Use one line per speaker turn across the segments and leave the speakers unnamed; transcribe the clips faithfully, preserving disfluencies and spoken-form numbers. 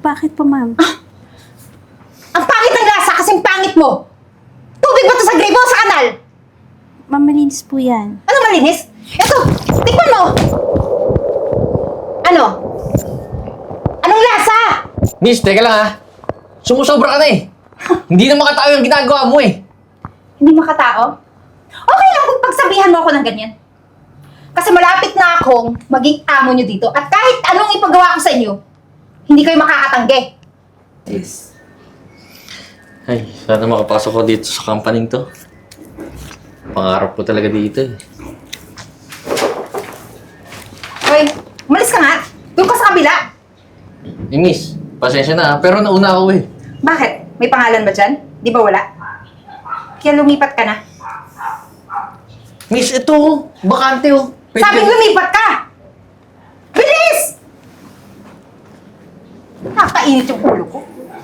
bakit po, ma'am?
Ang pangit ng lasa kasing pangit mo! Tubig ba to sa gripo o sa kanal?
Ma'am, malinis po yan.
Ano malinis? Eto, tikman mo! Ano? Anong lasa?
Miss, teka lang ha. Sumusobra ka na eh. Hindi na makatao yung ginagawa mo eh.
Hindi makatao? Okay lang kung pagsabihan mo ako ng ganyan. Kasi malapit na akong maging amo nyo dito at kahit anong ipagawa ko sa inyo, hindi kayo makakatanggi.
Yes. Ay, sana makapasok ko dito sa company to. Pangarap ko talaga dito eh.
Hoy, umalis ka nga. Doon ka sa kabila.
Eh, miss, pasensya na ha, pero nauna ako eh.
Bakit? May pangalan ba dyan? Di ba wala? Kaya lumipat ka na.
Miss, ito oh. Bakante oh. Pwede
Sabing
ka-
lumipat ka! Bilis! Nakakainit yung ulo ko.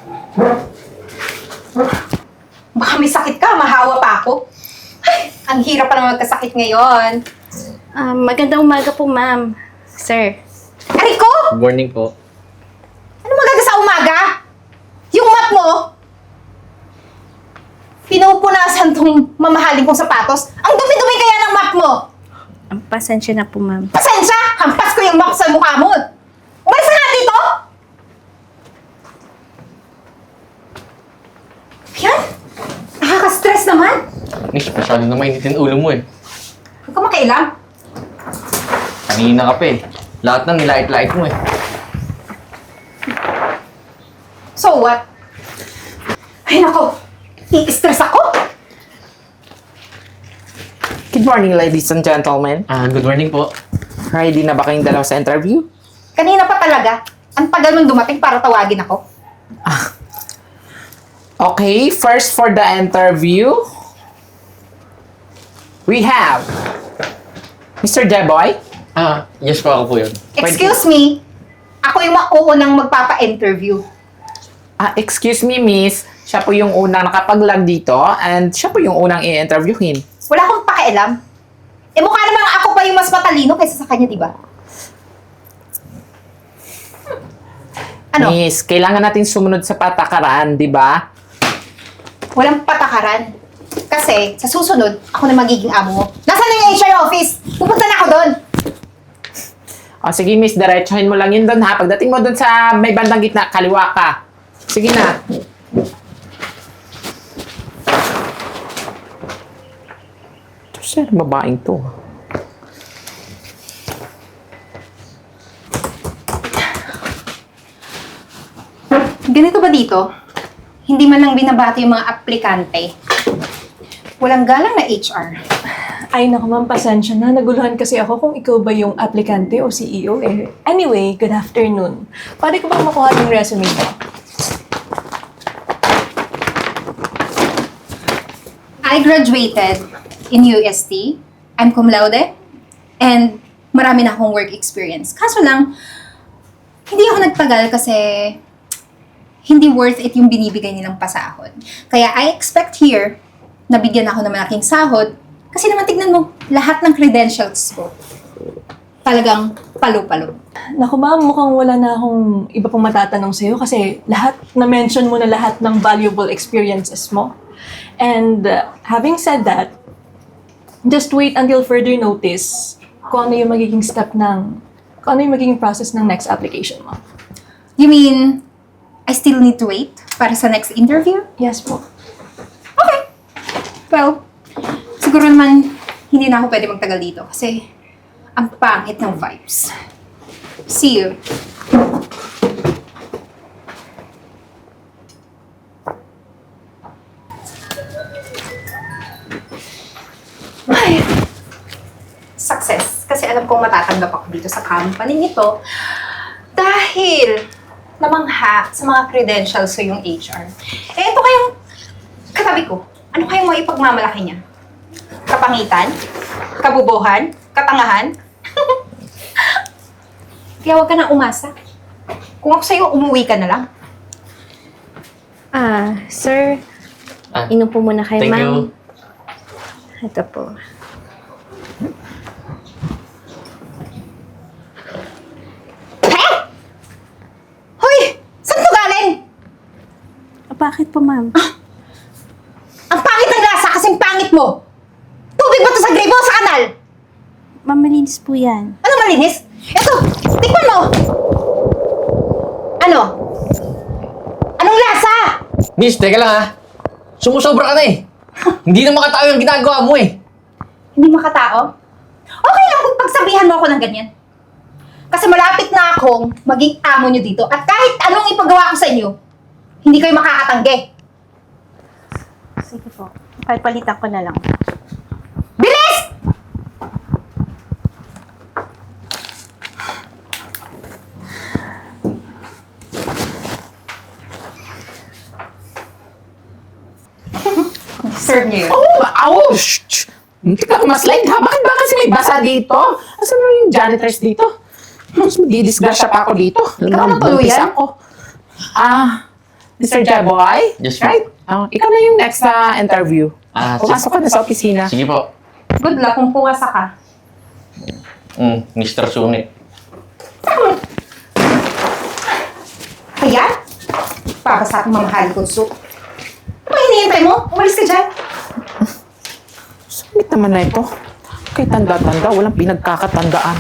Baka may sakit ka, mahawa pa ako. Ay, ang hirap pa naman magkasakit ngayon.
Ah, magandang umaga po, ma'am. Sir.
Ariko!
Good morning po.
Ano magaga sa umaga? Yung mat mo, pinupunasan tong mamahaling kong sapatos. Ang dumi-dumi kaya ng mat mo.
Ang pasensya na po, ma'am.
Pasensya! Hampas ko yung mat sa mukha mo. Umalis ka nga dito! Yan! Nakaka-stress naman.
Miss, masyado na mainitin ulo mo eh.
Huwag ka makialam.
Kanina ka pa eh. Lahat ng nilait-lait mo eh.
So what? Ay nako, i-stress ako.
Good morning, ladies and gentlemen.
Ah, good morning po.
Ready na ba kayong dalawa sa interview?
Kanina pa talaga, ang tagal mong dumating para tawagin ako.
Okay, first for the interview, we have Mister Jeboy.
Ah, yes po, ako po yun.
Excuse me, ako yung mauunang magpapa-interview.
Ah, excuse me, miss. Siya po yung unang nakapag-log dito and siya po yung unang i-interviewin.
Wala akong pakialam. Eh mukha namang ako pa yung mas matalino kaysa sa kanya, di ba? Ano?
Miss, kailangan natin sumunod sa patakaran, di ba?
Walang patakaran. Kasi sa susunod, ako na magiging amo mo. Nasaan na yung H R office? Pupunta na ako doon.
O sige, miss, diretsuhin mo lang yun doon ha. Pagdating mo doon sa may bandang gitna, kaliwa ka. Sige na. Ito siya, babaeng to.
Ganito ba dito? Hindi man lang binabati yung mga aplikante. Walang galang na H R.
Ay, naku ma'am, pasensya na. Naguluhan kasi ako kung ikaw ba yung aplikante o C E O eh. Anyway, good afternoon. Pwede ko bang makuha yung resume mo?
I graduated in U S T. I'm cum laude. And marami na akong work experience. Kaso lang, hindi ako nagtagal kasi hindi worth it yung binibigay nilang pasahod. Kaya I expect here na bigyan ako ng malaking sahod kasi naman tignan mo, lahat ng credentials ko talagang palo-palo.
Naku ma'am, mukhang wala na akong iba pang matatanong sa'yo kasi lahat, na-mention mo na lahat ng valuable experiences mo. And uh, having said that, just wait until further notice kung ano yung magiging step ng, kung ano yung magiging process ng next application mo.
You mean, I still need to wait para sa next interview?
Yes po.
Okay. Well, siguro naman hindi na ako pwede magtagal dito kasi ang pangit ng vibes. See you. Ay, success. Kasi alam kong matatanggap ako dito sa company nito dahil namangha sa mga credentials ko yung H R. Eh, ito kayong katabi ko. Ano kayong mga ipagmamalaki niya? Kapangitan? Kabubuhan? Katangahan? Kaya huwag ka na umasa. Kung ako sa'yo, umuwi ka na lang.
Ah, sir,
Ah,
inom po muna kayo,
thank
ma'am.
you.
Ito po.
He? Hoy! Saan to
Bakit po, ma'am?
Ang pangit ng lasa kasing pangit mo! Tubig ba to sa gripo o sa kanal?
Ma'am, malinis po yan.
Ano malinis? Ito, tikman mo! Ano? Anong lasa?
Miss, teka lang ha. Sumusobra ka na eh. Hindi na makatao yung ginagawa mo eh.
Hindi makatao? Okay lang kung pagsabihan mo ako ng ganyan. Kasi malapit na akong maging amo nyo dito at kahit anong ipagawa ko sa inyo, hindi kayo makakatanggi.
Sige po. Papalitan ko na lang.
Bilis! Serve niyo yun.
Oh, ouch! Hindi ka kumaslide ha? Bakit ba kasi may basa dito? Asan na yung janitors dito? Mas magdidisgrasya pa ako dito.
Ikaw na tuluyan?
Buntis ako. Ah, Mister Jaboy?
Yes, ma'am.
Right? Ah, ikaw na yung next na interview.
Ah,
Pumasok ka na sa opisina.
Sige po.
Good luck kung puwasa ka.
Mm, Mister Sungit.
Kaya? Para sa aking mamahali kong soup. Ano hinihintay mo? Umalis ka dyan.
Sumit naman na ito. Kay tanda-tanda, walang pinagkakatandaan.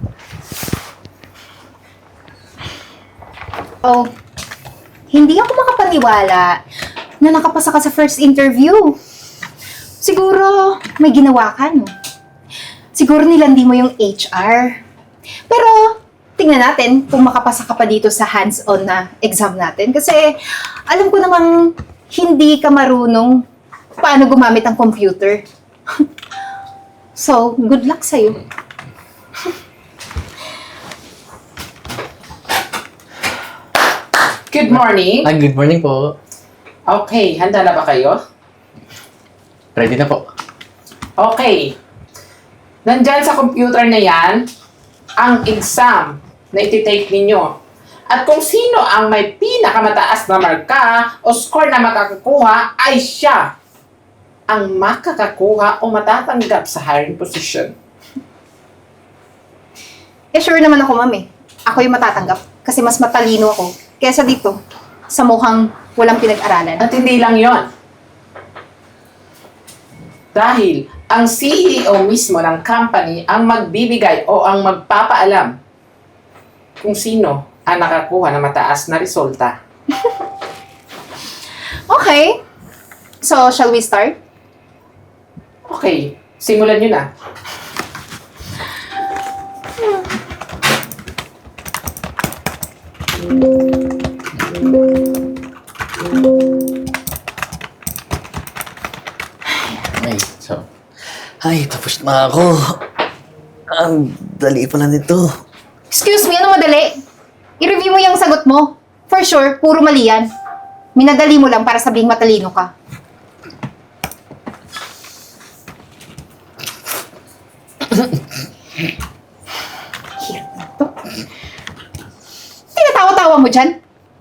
Oh, hindi ako makapaniwala na nakapasa ka sa first interview. Siguro, may ginawa ka, no? Siguro nilandi mo yung H R. Pero, tingnan natin kung makapasa ka pa dito sa hands-on na exam natin. Kasi, alam ko namang hindi ka marunong paano gumamit ang computer. So, good luck sa'yo.
Good morning.
Ah, good morning po.
Okay, handa na ba kayo?
Ready na po.
Okay. Nandyan sa computer na yan, ang exam na iti-take ninyo. At kung sino ang may pinakamataas na marka o score na makakakuha ay siya ang makakakuha o matatanggap sa hiring position.
Eh, sure naman ako, ma'am eh. Ako yung matatanggap kasi mas matalino ako kesa dito sa mukhang walang pinag-aralan.
At hindi lang yon. Dahil ang C E O mismo ng company ang magbibigay o ang magpapaalam kung sino ang nakakuha ng mataas na resulta.
Okay. So, shall we start?
Okay, simulan nyo na.
Ay, so... Ay, tapos na ako. Ang dali pala nito.
Excuse me, ano madali? I-review mo yung sagot mo. For sure, puro mali yan. Minadali mo lang para sabing matalino ka. Hirap na to. Tinatawa-tawa mo dyan?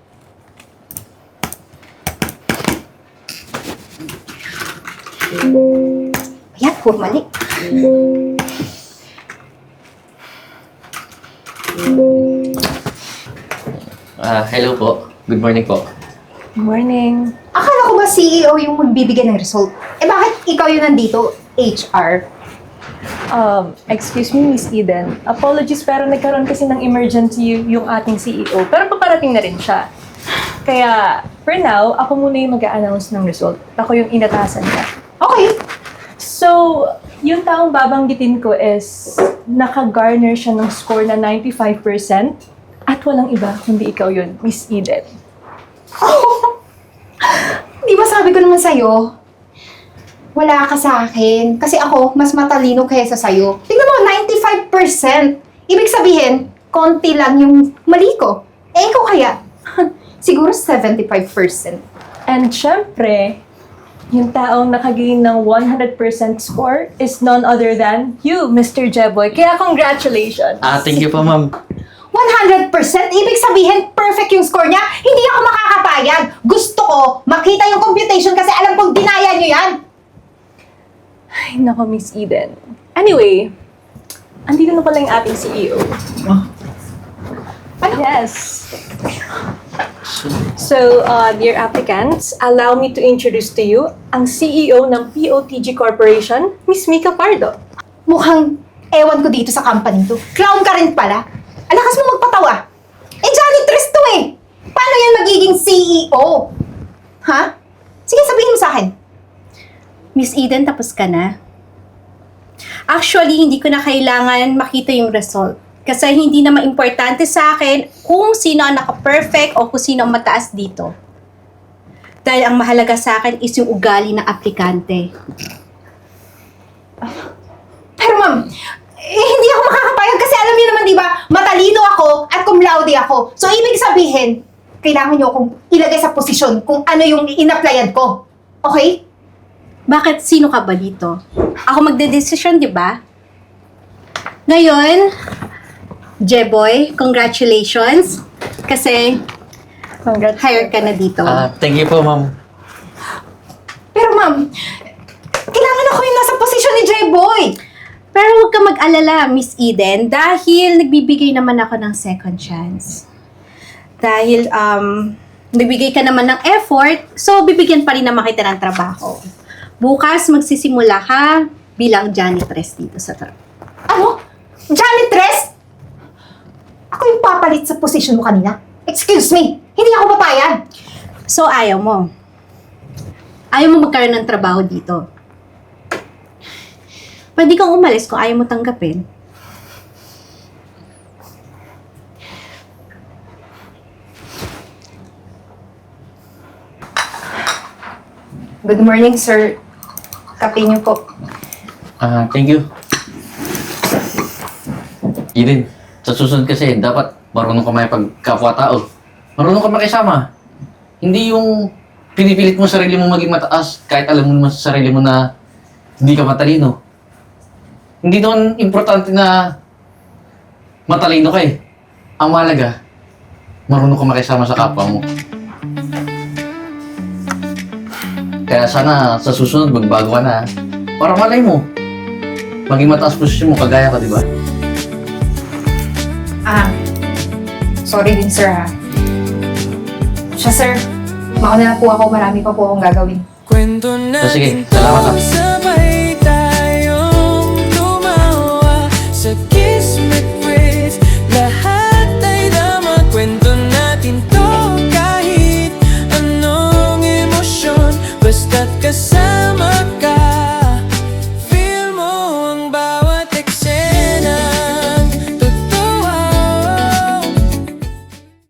Ayan, puro mali.
Ah, hello po. Good morning po.
Morning.
Akala ko ba C E O yung magbibigay ng result? Eh bakit ikaw yung nandito, H R?
Um, excuse me, Miss Eden. Apologies, pero nagkaroon kasi ng emergency yung ating C E O. Pero paparating na rin siya. Kaya, for now, ako muna yung mag-a-announce ng result. Ako yung inatasan niya.
Okay.
So, yung taong babanggitin ko is naka-garner siya ng score na ninety-five percent at walang iba kundi ikaw yun, Miss Eden.
Oh! Di ba sabi ko naman sa'yo, wala ka sa akin. Kasi ako, mas matalino kaysa sa'yo. Tingnan mo, ninety-five percent. Ibig sabihin, konti lang yung mali ko. Eh, ikaw kaya? Siguro seventy-five percent.
And syempre, yung taong nakagain ng one hundred percent score is none other than you, Mister Jeboy. Kaya congratulations!
Ah, thank you po, ma'am.
one hundred percent? Ibig sabihin, perfect yung score niya? Hindi ako makakapayag. Gusto ko makita yung computation kasi alam kong dinaya niyo yan.
Ay, nako, Miss Eden. Anyway, andito na pala yung ating C E O.
Ah?
Yes. So, uh, dear applicants, allow me to introduce to you ang C E O ng P O T G Corporation, Miss Mika Pardo.
Mukhang ewan ko dito sa company to. Clown ka rin pala. Alakas mo magpatawa. Eh, janitress to eh. Paano yan magiging C E O? Ha? Sige, sabihin mo sa akin.
Miss Eden, tapos ka na? Actually, hindi ko na kailangan makita yung result. Kasi hindi na importante sa akin kung sino ang naka-perfect o kung sino ang mataas dito. Dahil ang mahalaga sa akin is yung ugali ng aplikante.
Pero ma'am, eh, hindi ako makakapayag kasi alam niyo naman, di ba, matalino ako at cum laude ako. So, ibig sabihin, kailangan niyo akong ilagay sa posisyon kung ano yung in-applyan ko. Okay?
Bakit? Sino ka ba dito? Ako magde-desisyon, di ba? Ngayon, Jeboy, congratulations. Kasi, hired ka na dito.
Ah, thank you po, ma'am.
Pero ma'am, kailangan ako yung nasa posisyon ni J-Boy.
Pero huwag ka mag-alala, Miss Eden, dahil nagbibigay naman ako ng second chance. Dahil, um, nagbigay ka naman ng effort, so bibigyan pa rin naman kita ng trabaho. Bukas, magsisimula ka bilang janitress dito sa trabaho.
Ano? Janitress? Ako yung papalit sa posisyon mo kanina? Excuse me, hindi ako papayag.
So, ayaw mo. Ayaw mo magkaroon ng trabaho dito. Pwede kang umalis kung ayaw mo tanggapin.
Good morning, sir. Kape niyo po.
Ah, thank you. Eden, sa susunod kasi, dapat marunong ka may pagkapwa-tao. Marunong ka makisama. Hindi yung pinipilit mo sarili mo maging mataas kahit alam mo naman sa sarili mo na hindi ka matalino. Hindi naman importante na matalino ka eh. Ang mahalaga, marunong ka makisama sa kapwa mo. Kaya sana sa susunod magbago ka na. Para malay mo, maging mataas posisyon mo, kagaya ka, di ba?
Ah, sorry din, sir, ha. Siya, sir. Mauna na po ako. Marami pa po akong gagawin.
So, sige, salamat ha.